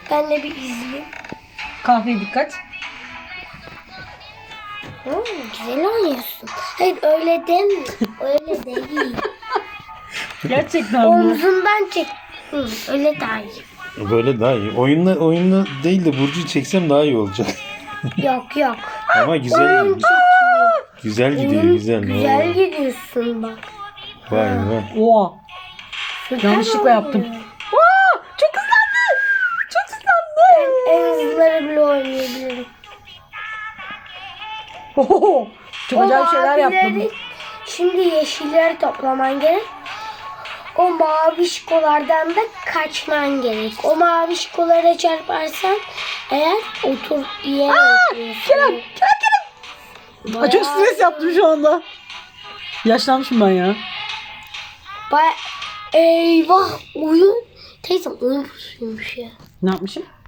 Ben de bir izleyeyim. Kahveye dikkat. Güzel oynuyorsun. Hayır öyle deme. Öyle değil. Gerçekten mi? Omzundan çek. Öyle daha iyi. Böyle daha iyi. Oyunla değil de Burcu'yu çeksem daha iyi olacak. Yok. Ama güzel Oyun gidiyor. çekiyor. Güzel gidiyor, Oyun güzel. Güzel Oo. gidiyorsun bak. Vay vay. Oha. Süper Yanlışlıkla oynuyor. yaptım. Aa, çok hızlandı. Çok hızlandı. En hızlıları bile oynayabilirim. Oho, çok acayip şeyler mavileri- yaptım. Şimdi yeşilleri toplaman gerek. O mavişkolardan da kaçman gerek. O mavişkolara çarparsan eğer yere oturuyorsun. Kerem. Aa, çok stres yaptım şu anda. Yaşlanmışım ben ya. Eyvah oyun. Teyzem oyun pusuymuş ya. Ne yapmışım?